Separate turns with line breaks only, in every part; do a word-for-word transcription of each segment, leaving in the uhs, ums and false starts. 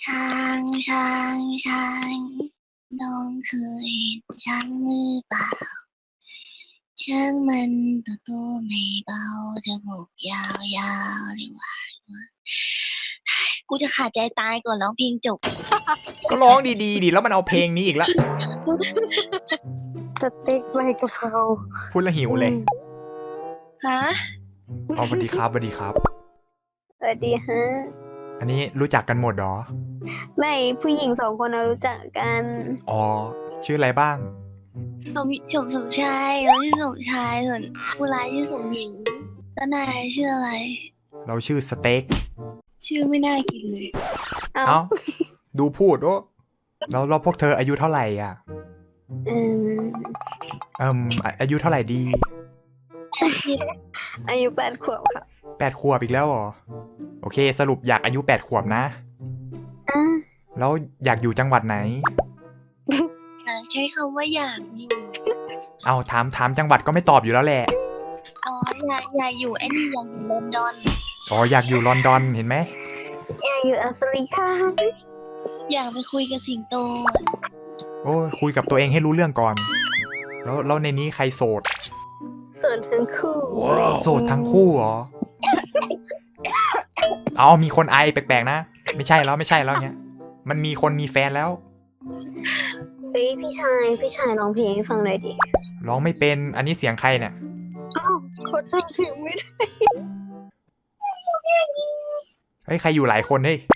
ช้างช้างช้างน้องเคยเห็นช้างหรือเปล่าช้างมันตัวโตไม่เบาจมูกยาวยาวเรียกว่ากูจะขาดใจตายก่อนร้องเพลงจบ
ก็ร้องดีๆดิแล้วมันเอาเพลงนี้อีกแล้ว
สเต็กใบกะเพรา
พูดแล้วหิวเลย
ฮะ
อ๋อสวัสดีครับสวัสดีครับ
สวัสดีฮะ
อันนี้รู้จักกันหมดหรอ
ไม่ผู้หญิงสองคนเรารู้จักกัน
อ๋อชื่ออะไรบ้าง
สมสมสมชายเราชื่อสมชายส่วนผู้ร้ายชื่อสมหญิงแล้วนายชื่ออะไร
เราชื่อสเต็ก
ชื่อไม่น่ากินเลย
เอ้า
ดูพูดโอ้แล้วเราพวกเธออายุเท่าไหร่อ่ะ
อืม
เอ่มอายุเท่าไหร่ดี
อาชีพ
อายุแปดขวบค่ะ
แปดขวบอีกแล้วเหรอโอเคสรุปอยากอายุแปดขวบนะ
อ่า
แล้วอยากอยู่จังหวัดไหน
ใช้คำว่าอยากอยู่
เอาถามถามจังหวัดก็ไม่ตอบอยู่แล้วแหละ
อ๋ออยากอยากอยู่ไอ้นี่อยากอยู่ลอนดอน
อ๋ออยากอยู่ลอนดอนเห็นไหม
อยากอยู่แอฟริกา
อยากไปคุยกับสิงโต
โอ้คุยกับตัวเองให้รู้เรื่องก่อนแล้วแล้วในนี้ใครโสด
โสดทั้งคู่
โสดทั้งคู่เหรอเอามีคนไอแปลกๆนะไม่ใช่แล้วไม่ใช่แล้วเนี้ยมันมีคนมีแฟนแล้ว
เฮ้ยพี่ชายพี่ชายร้องเพลงให้ฟังหน่อยดิ
ร้องไม่เป็นอันนี้เสียงใครเนี่ย
อ้าวเขาจำเสียงไม่ได้
เฮ้ยใครอยู่หลายคนเฮ้ย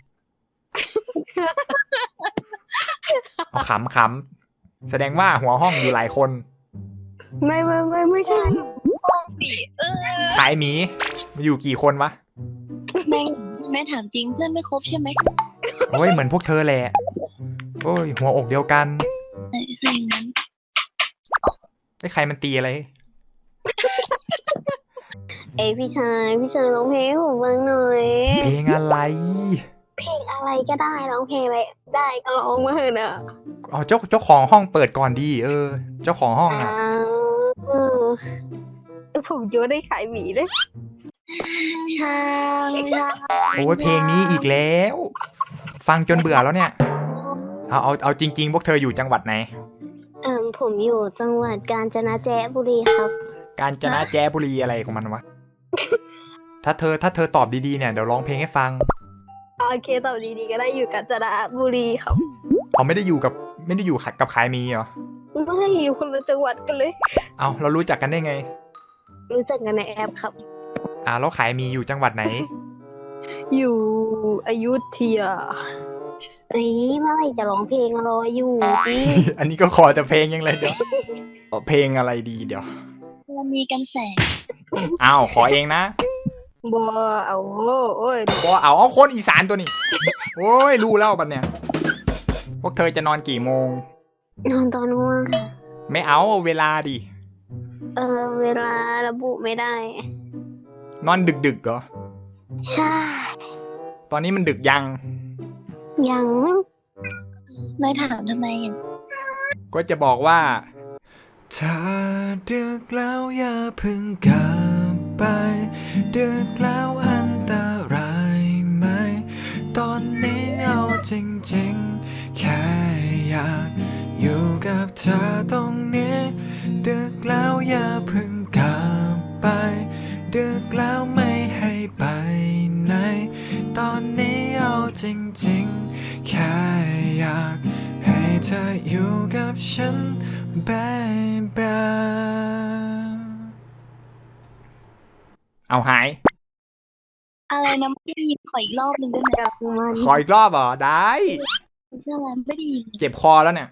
เอาขำขำแสดงว่าหัวห้องอยู่หลายคน
ไม่ไม่ไม่ไม่ใช่
ห้องดิเออ
ขายหมีมาอยู่กี่คนวะ
แม่แม่ถามจริงเพื่อนไม่ครบใช่ไหม
โอ้ยเหมือนพวกเธอแหละโอ้ยหัวอกเดียวกัน
ใช่งั้น
ไอ้ใครมันตีอะไร
เอ้ยพี่ชายพี่ชายร้องเพลงให้ผมฟังหน่อย
เพลงอะไร
เพลงอะไรก็ได้ร้องเพลงอะไรได้ก็ร้องมาเถอะนะ
อ๋อเจ้าเจ้าของห้องเปิดก่อนดีเออเจ้าของห้องอ่ะ
ผมโยนได้ขายหมีเลย
ช้างช้าง
โอ้ยเพลงนี้อีกแล้วฟังจนเบื่อแล้วเนี่ยเอาเอาเอาจริงๆพวกเธออยู่จังหวัดไหน
เอ่อผมอยู่จังหวัดกาญจนบุรีครับ
กาญจนบุรีอะไรของมันวะถ้าเธอถ้าเธอตอบดีๆเนี่ยเดี๋ยวร้องเพลงให้ฟัง
โอเคตอบดีๆก็ได้อยู่กาญจนบุรีครับ
เขาไม่ได้อยู่กับไม่ได้อยู่กับขายมีเหรอ
ไม่อยู่คนละจังหวัดกันเลย
เอาเรารู้จักกันได้ไง
รู้จักกันในแอปครับ
อ่าแล้วขายมีอยู่จังหวัดไหน
อยู่อยุธยาเอ้ยเมื่อไหร่จะร้องเพลงรออยู่ดิ
อันนี้ก็ขอแต่เพลงยังเลยเดี๋ยวเพลงอะไรดีเดี๋ยว
เรามีกันแสง
อ้าวขอเองนะ
บัวเอาโอ้ย
บัวเอาเอาคนอีสานตัวนี้โอ้ยรู้แล้วบัดเนี่ยพวกเธอจะนอนกี่โมง
นอนตอนว่าง
ไม่เอาเวลาดิ
เออเวลาระบุไม่ได้
นอนดึกๆเหรอ
ใช่
ตอนนี้มันดึกยัง
ยัง
นายถามทำไมอ่ะ
ก็จะบอกว่าถ้าดึกแล้วอย่าเพิ่งกลับไปดึกแล้วอันตรายไหมตอนนี้เอาจริงๆแค่อยากอยู่กับเธอตรงนี้ดึกแล้วอย่าเพิ่งกลับไปดึกแล้วไม่ให้ไปไหนตอนนี้เอาจริงๆแค่อยากให้เธออยู่กับฉัน baby เอาหาย
อะไรนะไม่ได้ยินขออีกรอบหนึ่งได้ไหม
ขออีกรอบเหรอได้
เชื่ออะไรไม่ได้ยิน
เจ็บคอแล้วเนี่ย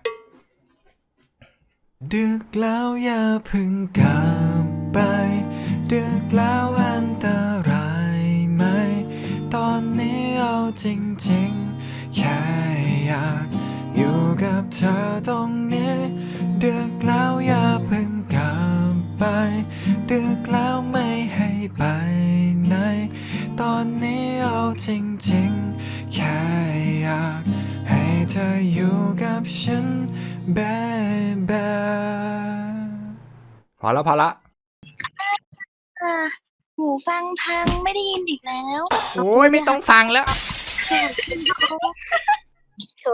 ดึกแล้วอย่าเพิ่งกลับไปดึกแล้วอันตรายไหมตอนนี้เอาจริงๆแค่อยากอยู่กับเธอตรงนี้ดึกแล้วอย่าเพิ่งกลับไปดึกแล้วไม่ให้ไปไหนตอนนี้เอาจริงๆแค่อยากให้เธออยู่กับฉัน baby พอแล้วพอละ
หูฟังพังไม่ได้ยินอีกแล้ว
โอ้ยไม่ต้องฟังแล้ว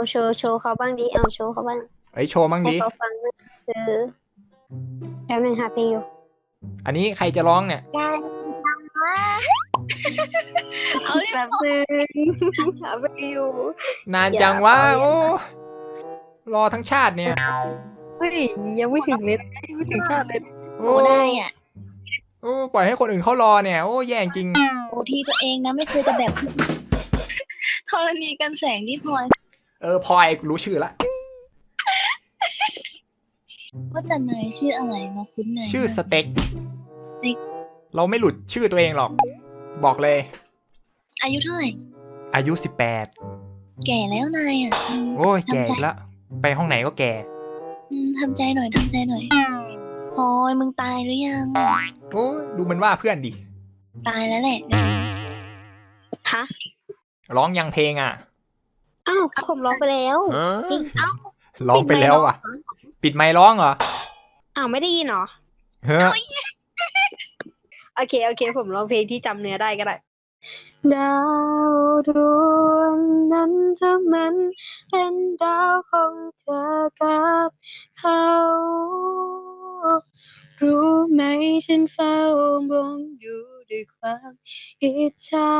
โชว์โชว์เขาบ้างดิเอาโชว์เขาบ้าง
เอ้ยโชว์มั่ง
ให้
ดิ
เขาฟังนะเออแป๊บนึงหาเพลงอยู่
อันนี้ใครจะร้องเนี่ย
การทำว่าเอาเรีย
แป๊
บบ
นึงหาเพลงอยู่
นานจังวะโอ้รอทั้งชาติเนี่ย
เฮ้ยยังไม่ถึงเลยยังไม่ถึงชาติเลย
โอ้
โอ้ได้อ่ะ
โอ้ปล่อยให้คนอื่นเขารอเนี่ยโอ้แย่จริง
โอ้ที่ตัวเองนะไม่เคยจะแบบ ธรณีกันแสงที่พลอย
เออพลอยกูรู้ชื่อละ
ว่าแต่เนยชื่ออะไรเนาะคุ้นเนย
ชื่อสเต็ก
สติ๊ก
เราไม่หลุดชื่อตัวเองหรอก บอกเลย
อายุเท่าไหร่
อายุสิบแปด
แก่แล้วนายอ่ะอืม
โอ้ยแก่
ทำใจ
อีกละไปห้องไหนก็แก่
อืมทำใจหน่อยทำใจหน่อยพลอยมึงตายหรือยัง
โอ้ยดูมันว่าเพื่อนดิ
ตายแล้วแหละ
ฮะ
ร้องยังเพลงอ่ะ
อ้าวผมร้องไปแล้ว
จริงเอ้า
ร้องไปแล้วอ่ะ ปิดไมค์ร้องเหรอ
อ้าวไม่ได้ยินเหรอ
เฮ้ย
โอเคโอเค ผมร้องเพลงที่จำเนื้อได้ก็ได้ดาวดวงนั้นถ้ามันเป็นดาวของเธอกับเขารู้ไหมฉันเฝ้ามองอยู่ด้วยความอิจฉา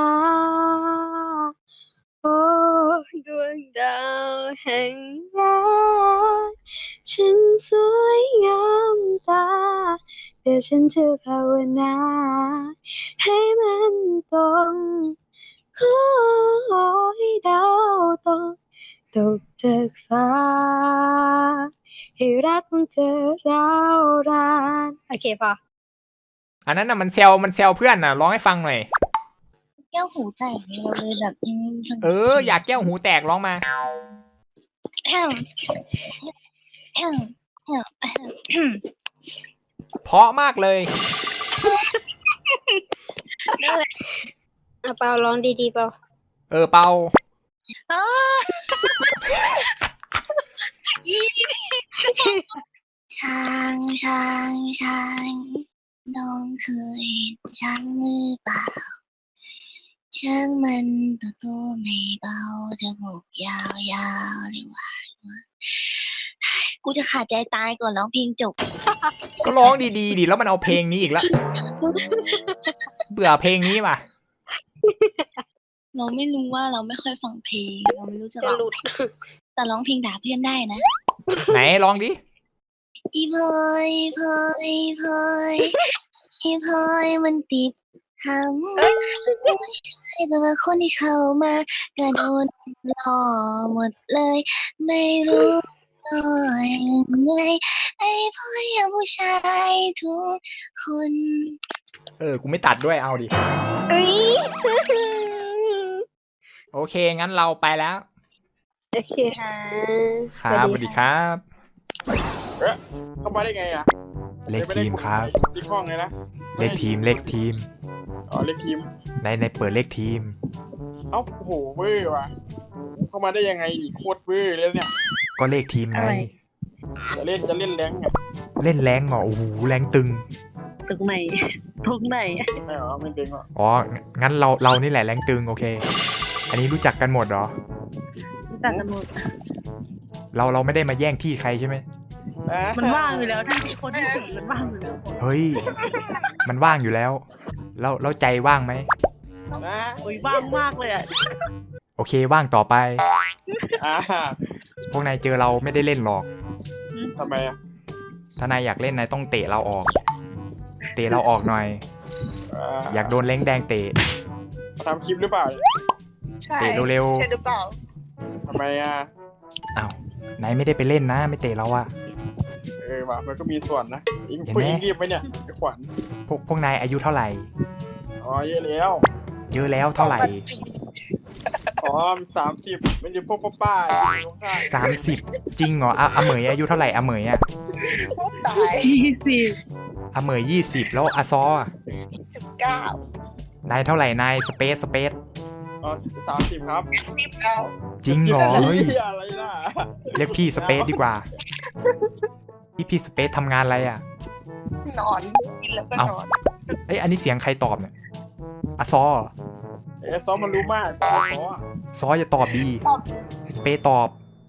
โอ้ดวงดาวแห่งรักฉันสวยงามตาแต่ฉันจะภาวนาให้มันตรงขอให้ดาวตกตกจากฟ้าให้รักของเธอร้าวรานโอเคพอ
อันนั้นน่ะมันเซลมันเซลเพื่อนน่ะร้องให้ฟังหน่อย
แก้วหูแตกเลยเราเลยแบบอืมสงบ
เอออยากแก้วหูแตกร้องมา
แอมแอมแอมแอม
เพราะมากเลย
นั่นแหละ
อ่ะเปาร้องดีๆเปา
เออเปา
อ้าอีช้างช้างช้างน้องเคยเห็นช้างหรือเปล่าช้างมันตัวโตไม่เบาจมูกยาวยาวเรียกว่ากูจะขาดใจตายก่อนร้องเพลงจบ
ก็ร้องดีๆดิแล้วมันเอาเพลงนี้อีกแล้วเบื่อเพลงนี้ว่ะ
เราไม่รู้ว่าเราไม่ค่อยฟังเพลง เราไม่รู้จะ
จะ
ร้อง
หลุด
แต่ร้องเพลงด่าเพื่อนได้นะ
ไหนร้องดิ
อีพลอยพลอยพลอยอีพลอยมันติดหำผู้ชายแต่ละคนที่เข้ามากระโดนหล่อหมดเลย ไม่รู้ต่อยยังไงไอ้พลอยอย่างผู้ชายทุกคน
เออกูไม่ตัดด้วยเอาดิ
เอ้ย
โอเคงั้นเราไปแล้ว
โอเคค่ะ
ครับสวัสดีครับ
เอ๊ะเข้ามาได้ไงอ่ะ
เลขทีมครับ
ที่ห้องเลยนะ
เลขทีมเลขทีม
อ๋อเลขทีม
ในในเปิดเลขทีม
เอ้าโอ้โหเว้ยว่ะเข้ามาได้ยังไงดิโคตรเว้ยเลยเนี่ย
ก็เลขทีมไง
จะเล่นจะเล่นแรงไง
เล่นแรงเหรอโอ้โหแรงตึง
ตรงไหนตรงไหน
ไม่เหรอไม่เด้งหรอ
อ๋องั้นเราเรานี่แหละแรงตึงโอเค อันนี้รู้จักกันหมดเหรอ
ตัดกันหมด
เราเราไม่ได้มาแย่งที่ใครใช่ไหม
มันว่างอยู่แล้วที่คนที่สี่มันว่างอยู่แล้ว
เฮ้ยมันว่างอยู่แล้วแล้วแล้วใจว่างไหม
นะ
โอ้ยว่างมากเลยอ่ะ
โอเคว่างต่อไป
อ่า
พวกนายเจอเราไม่ได้เล่นหรอก
ทำไมอ่ะ
ถ้านายอยากเล่นนายต้องเตะเราออก เตะเราออกหน่อย อยากโดนเล้งแดงเตะ
ทำคลิปหรือเปล่า
ใช่
เตะเร็ว
ใช่หรือเปล่า
ทำไมอ่ะ
ๆอ้าวนายไม่ได้ไปเล่นนะ ไม่เตะเราอะ
เออว่ะมันก็มีส่วนนะอิง
เห็น
คุ
ไหม
ยอิงรีบไปเนี่ยไอ้ขวัญ
พวกพวกนายอายุเท่าไหร่
อ๋อเยอะแล้ว
เยอะแล้วเท่าไหร่
อ๋อสามสิบมันอยู่พวกป้าๆอยู่ข้าง
สามสิบจริงเหรออะอาเหมยอายุเท่าไหร่อาเหมยอะ
ตาย
ยี่สิบ
อาเหมยยี่สิบแล้วอาซออะ
สิบเก้าน
ายเท่าไหร่นายสเปซสเปซ
อ๋อสามสิบครับ
สิบเก้า
จริงเหรอเฮ้ย
หี้อะไรล่ะ
เรียกพี่สเปซดีกว่า พี่พี่สเปซทำงานอะไรอะ
นอนกินแล้วก็
เอ้า
นอน
เอ้ยอันนี้เสียงใครตอบเนี่ยอาซอเหรอ
เอซ้อมมันรู้มากซ้อมอ่ะ
ซออย่าตอบดีให้สเปซตอบ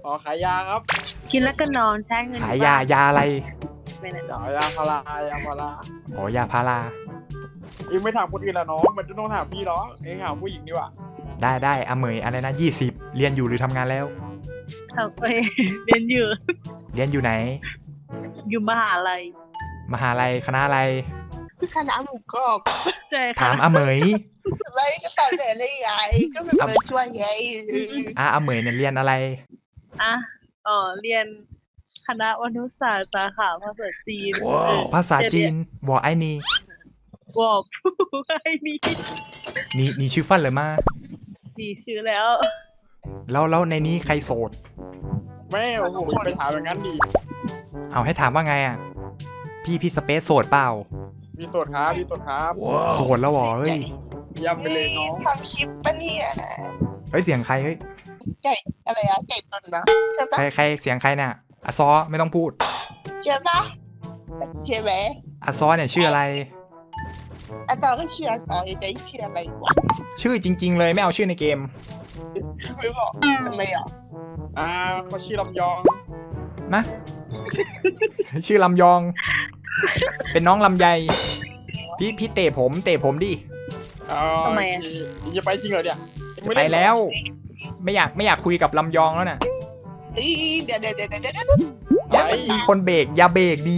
อ๋อขายยาครับ
กินแล้วก็นอนใช้เงิน
ขายยายาอะไร
ไม่นะ
ขายยาพารายาพารา
อ๋อยาพารา
เองไม่ถามคนอื่นละน้องมันจะต้องถามพี่หรอเองถามผู้หญิงดีกว่า
ได้ได้อาเหมยอะไรนะยี่สิบเรียนอยู่หรือทำงานแล้ว
ทำไปเรียนอยู่
เรียนอยู่ไหน
อยู่มหาลัย
มหาลัยคณะอะไร
คณะหมูกรอบ
ใช่ค่ะ
ถามอาเหมย
อะไรก็ตอบแทนได้ไงก็เป็นเปิดช่วยไง
อาอาเหมยเนี่ยเรียนอะไร
อ่ะอ๋อเรียนคณะวรรณศาสตร์สาขาภาษาจีนเออ
ภาษาจีนวอไอนี่
บอกผู้ให้นี่
นี่นี่ชื่อฟันเลยมา
ดีชื่อแล้ว
แล้วแล้วในนี้ใครโสด
แม่โอ้โหไปถามอย่างนั้นดิ
เอาให้ถามว่าไงอ่ะ พี่พี่สเปซโสดเปล่า
มีตรวจครับมีตรวจครับ
โสดแล้วเหรอเฮ้ย
เยี่ยมไปเลยน้อง
ทำคลิปปะเนี่ย
เฮ้ยเสียงใครเฮ้ย
ไก่อะไรอะไก่ตุนนะใช่
ใค
ปะ
รใครเสียงใครเนี่ยอาซอไม่ต้องพูด
ใช่ปะใช่ไหม
อาซอเนี่ยชื่ออะไร
อะตอก็เชื่อต่อจะเชื่ออะไรวะ
ชื่อจริง ๆ เลยไม่เอาชื่อในเกม
ไม่บอกทำไมอ่ะ
อ่าเขาชื่อลำยอง
นะ ชื่อลำยอง เป็นน้องลำไย พี่พี่เตะผมเตะผมดิ
อ๋อ
ทำไมอะ
โอเคจะไปจริงเหรอเนี่ยเอ็งม่
ไป
เนเหรอ
แล้ว ไม่อยากไม่อยากคุยกับลำยองแล้วน่ะ
อีเดี๋ยวเดี๋ยวเดี๋ยวเดี๋ยวเดี๋ยว
ไป
มีคนเบรกอย่าเบรกดี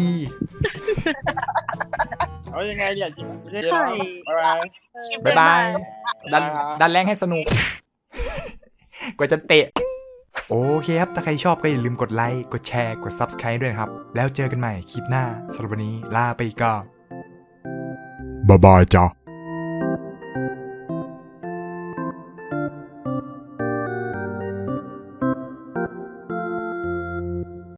เอายังไงเนี่ยจริงไม่ใช่
ใช่
เหรอบ๊ายบาย
บ๊ายบาย ดันดันแรงให้สนุก กว่าจะเตะ โอเคครับ ถ้าใครชอบก็อย่าลืมกดไลค์ กดแชร์ กด Subscribe ด้วยนะครับ แล้วเจอกันใหม่คลิปหน้าสำหรับวันนี้ลาไปก่อนบ๊ายบายจ้า